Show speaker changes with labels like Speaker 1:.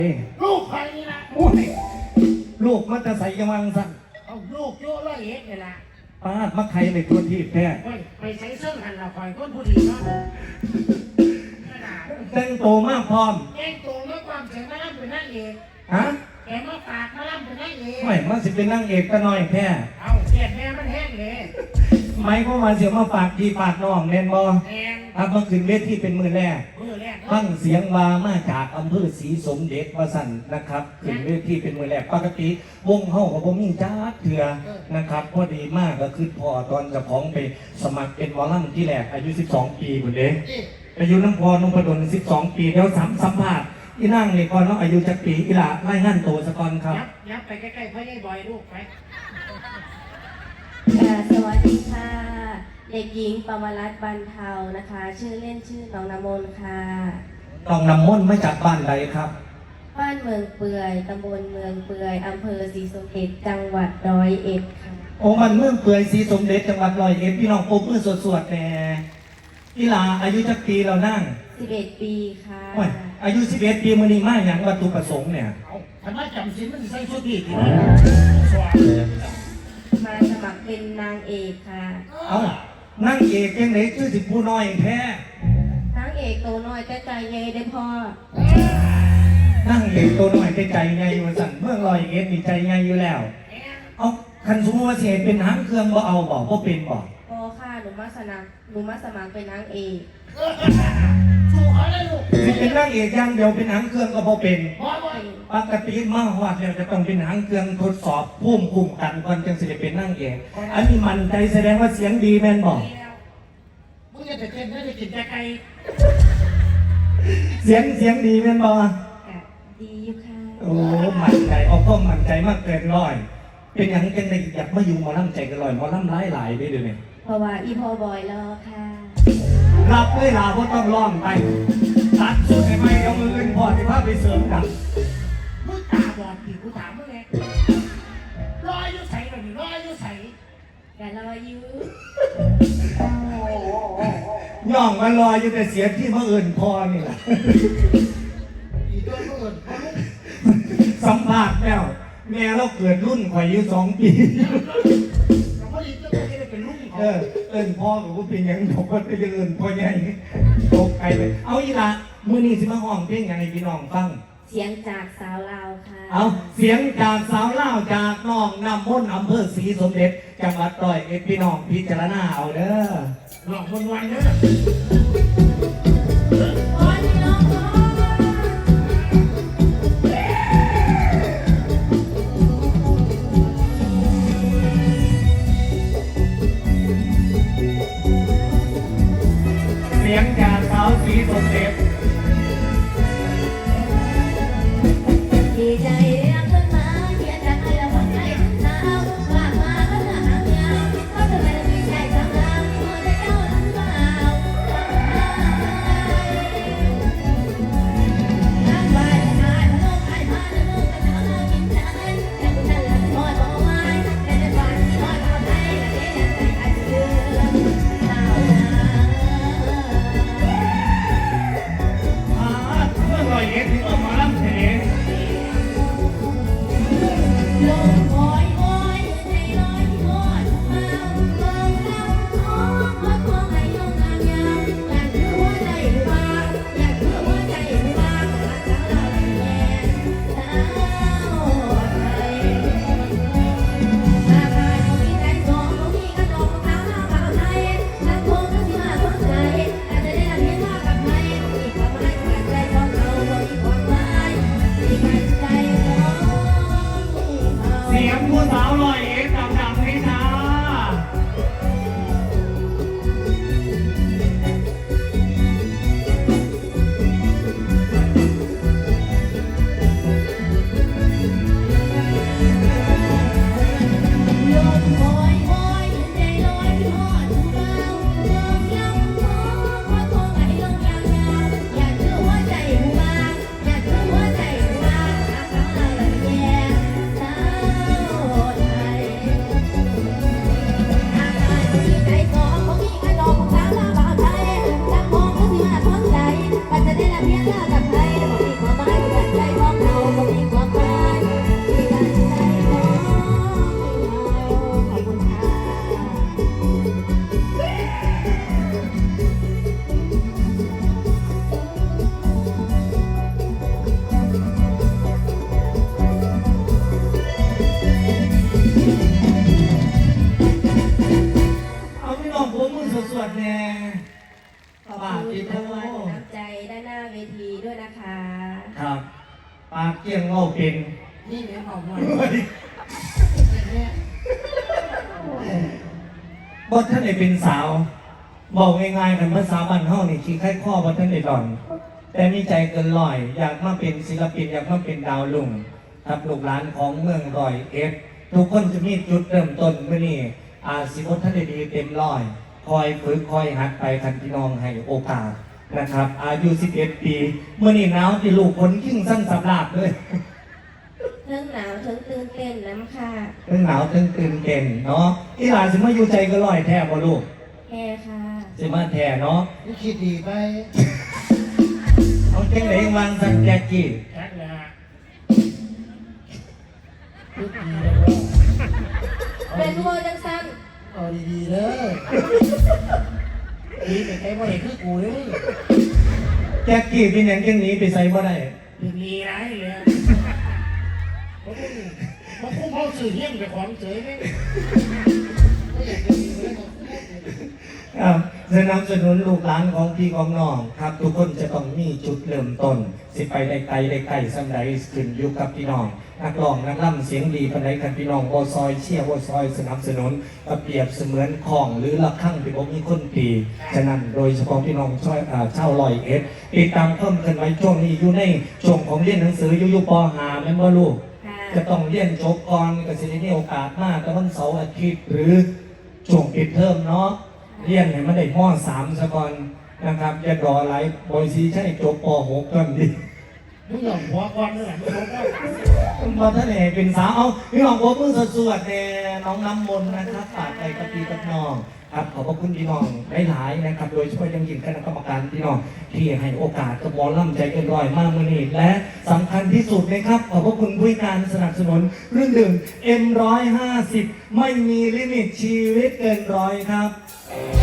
Speaker 1: ลูกใครนี่นะ
Speaker 2: โอ้ยลูกมันจะใส่ยังวังสั่น
Speaker 1: เอาลูกโย่ร้อยเอ็ดนี่ละ
Speaker 2: ป้ามักใครในตัวที่แท้
Speaker 1: ไปใช้เสื้อหันเราคอยก้นผู้ดีเนาะ
Speaker 2: แต่งโตมากพร้อม
Speaker 1: แกงโตเมื่อความเสียงมาล่ำเป็นนั่งเอก
Speaker 2: ฮะ
Speaker 1: แกมาฝากมาล่ำเป็นนั่งเอก
Speaker 2: ไม่มันสิเป็นนั่งเอกก็น้อยแท้
Speaker 1: เอาแกแม่มันแห้งเลย
Speaker 2: ไม่ก็มาเสียมาฝากพี่ฝากน้องแน่นบอ
Speaker 1: แห้ง
Speaker 2: ถ้าเมื่อคืนเวทีเป็นมือแรกฟังเสียงว่ามาจากอำเภอศรีสมเด็จวสันนะครับขึ้นเวทีเป็นมือแรกปกติวงเฮากับผมมีจ้าเถื่อนะครับพอดีมากก็คือพอตอนจะพ้องไปสมัครเป็นวอลลัมที่แรกอายุ12 ปีหมดเลยอายุน้ำพรนพดล12 ปีแล้วสัมภาษณ์อีนั่งในก่อนน้องอายุจักปีอีหล่าไล่งั้นโตสะกอนครับ
Speaker 1: ยับไปใกล้ๆพ่อใหญ่บอยลูกไป
Speaker 3: สวัสดีค่ะเด็กหญิงปวรัตน์บรรเทานะคะ ชื่อเล่นชื่อน้องน้ำมนต์ค่ะ
Speaker 2: น้องน้ำมนต์มาจากบ้านใดครับ
Speaker 3: บ้านเมืองเปื่อยตำบลเมืองเปื่อยอำเภอศรีสมเด็จจังหวัด101ค่ะ
Speaker 2: โอ้มันเมืองเปื่อยศรีสมเด็จจังหวัด101พี่น้องโอ้เพื่อสวดแน่อีหล่าอายุจักปีเรานั่ง
Speaker 3: 11 ปีค่ะ
Speaker 2: อายุ11 ปีมื้อนี้มาอย่างวัตถุประสงค์เนี่ย
Speaker 1: ทำไมจำสินมันใส่ชุดดีดี
Speaker 3: มาสมัครเป็นนางเอกค่ะ
Speaker 2: เอานั่งเอกยังไหนชื่อสิผู้น้อยแท้
Speaker 3: นางเอกตัวน้อยแต่ใจใหญ่ได้พอ
Speaker 2: นั่งเอกตัวน้อยแต่ใจใหญ่อยู่สั่นเมือง101มีใจใหญ่อยู่แล้วเอาคันสมมติว่าสิเป็นหางเครื่องบ่เอาบ่เป็นบ่
Speaker 3: พอค่ะหนูมาสมัครเป็นนางเอก
Speaker 1: ถูกอะไรลูก
Speaker 2: สิเป็นนางเอกอย่างเดียวเป็นหางเครื่องก็บ่เป็นปกติมาฮอดแล้วจะต้องเป็นหางเครื่องทดสอบภูมิคุ้มกันก่อนจึงสิได้เป็นนางเอกอันนี้มันใจแสดงว่าเสียงดีแม่นบ่
Speaker 1: มึงจะเต้นไม่ได้กินแต่ไก่
Speaker 2: เสียงดีแม่นบ่
Speaker 3: ดีอยู่ค่ะ
Speaker 2: โอ้มั่นใจเอาก็มั่นใจมากเกินร้อยเป็นอย่างจังได๋อยากมาอยู่หมอลำใจกันร้อยหมอลำหลายๆเด้อเดี๋ยวนี้
Speaker 3: เพราะว่าอีพ่อบอยรอค่ะ
Speaker 2: รับเลยลาเพราะต้องร้องไปตัดสุดให้ไหมเอามือขึ้นพอที่พาไปเสริมกัน
Speaker 1: มึงตาบอดผีกูถามมึงไงรออยู่ใส่หน่อยรออยู่ใส่
Speaker 3: อย่ารออยู่
Speaker 2: ย่องมารออยู่แต่เสียที่มาอื่นพอนี่แหละ
Speaker 1: อีตัวมาอื่น
Speaker 2: สัมภาษณ์แล้วแม่เราเกิดรุ่นข่อยอยู่2 ปีเอิญพ่อกับผู้เป็นยังบอกว่าจะเอิญพ่อใหญ่ตกไปเลยเอาอีละมื้อนี้สิมาห้องเพลงยังไงพี่น้องฟัง
Speaker 3: เสียงจากสาวลาวค่ะ
Speaker 2: เอาเสียงจากสาวลาวจากน้องน้ำมนต์อำเภอศรีสมเด็จจังหวัด101พี่น้องพิจารณาเอาเด้อ
Speaker 1: หลอกคนวันเด้อ
Speaker 2: เสียงจากสาวศรีสมเด็จ
Speaker 3: ดีใจเรียกขึ้นมาเขียนจากใครแล้วคนใจสาวฝากมาก็จะหางยาวเขาจะไม่ได้มีใจสำคัญที่หัวใจเจ้าหรือเปล่า
Speaker 2: ปากเกี้ยงเงาเป็น
Speaker 1: นี่แม่บอกว่า
Speaker 2: บ่ท่านได้เป็นสาวบอกง่ายๆกันภาษาบ้านเฮานี่ขี้ไข้ข้อบ่ท่านได้หล่อน แต่มีใจเกินร้อยอยากมาเป็นศิลปินอยากมาเป็นดาวลุ่งครับลูกหลานของเมืองร้อยเอ็ดทุกคนจะมีจุดเริ่มต้นเมื่อนี้อาสิบท่านได้ดีเต็มร้อยคอยฝึกคอยหัดไปคันพี่น้องให้โอกาสนะครับ อายุ 11 ปีเมื่อนี้หนาวที่ลูกคนยิ่งสั้นสำลาบเลย
Speaker 3: ทั้งหนาวทั้งตื่นเต้นน้ำค่ะ
Speaker 2: เรื่องหนาวเรื่องตื่นเต้นเนาะอีหลานสิมาอยู่ใจเก็ร้อยแท้บ่ลูก
Speaker 3: แค่ค่ะ
Speaker 2: สิมาแท้เนาะ
Speaker 1: นี่คิดดีไป
Speaker 2: เอาจังไหนวางสันแจกี้
Speaker 1: แท็กนะคิดดีเลย
Speaker 3: เป็นวัวจังสัน
Speaker 1: เอาดีๆเลยดีไปใครบ่เห็นคือกูเลย
Speaker 2: แจกี้เป็นอย่างจังนี้ไปใส่บ่ได้
Speaker 1: เป็นดีไรเลยเพราะคุ้มเขาสื่อเฮี้ยนไปของเฉยเลยไม่อยากจะมีเลย
Speaker 2: ครับสนับสนุนลูกหลานของพี่ของน้องครับ ทุกคนจะต้องมีจุดเริ่มต้นสิไปได้ไกลได้ไกลสำใดขึ้นอยู่กับพี่น้องนักร้องนักล่ำเสียงดีปานใดกันพี่น้องบ่ซอยเชียร์บ่ซอยสนับสนุนก็เปรียบเสมือนของหรือละคั่งที่บ่มีคนตีฉะนั้นโดยเฉพาะพี่น้องชาวร้อยเอ็ดติดตามเพิ่มขึ้นไว้ช่วงนี้อยู่ในช่วงของเรียนหนังสืออยู่ป .5 แม่นบ่ลูก
Speaker 3: ค่ะ
Speaker 2: จะต้องเรียนจบก่อนก็สิได้มีโอกาสมากแต่วันเสาร์อาทิตย์หรือช่วงปิดเทอมเนาะเรียนให้มันได้ม .3 ซะก่อนนะครับอย่ารอหลายบอยซีใช่จบป .6 ก่อนดิ
Speaker 1: มึงหย่อนหัวก่อนเลยมึงหัวก่อน
Speaker 2: มาท่านเอกเป็นสาวเอาพี่น้องผมเพิ่งสวดเนี่ยน้องน้ำมนต์นะครับฝากไปกับพี่กับน้องครับขอบพระคุณพี่น้องหลายๆนะครับโดยเฉพาะยังยิ่งคณะกรรมการพี่น้องที่ให้โอกาสกับหมอลำใจเกินร้อยมากมื่อนี้และสำคัญที่สุดนะครับขอบพระคุณผู้การสนับสนุนเครื่องดื่ม M150 ไม่มีลิมิตชีวิตเกินร้อยครับ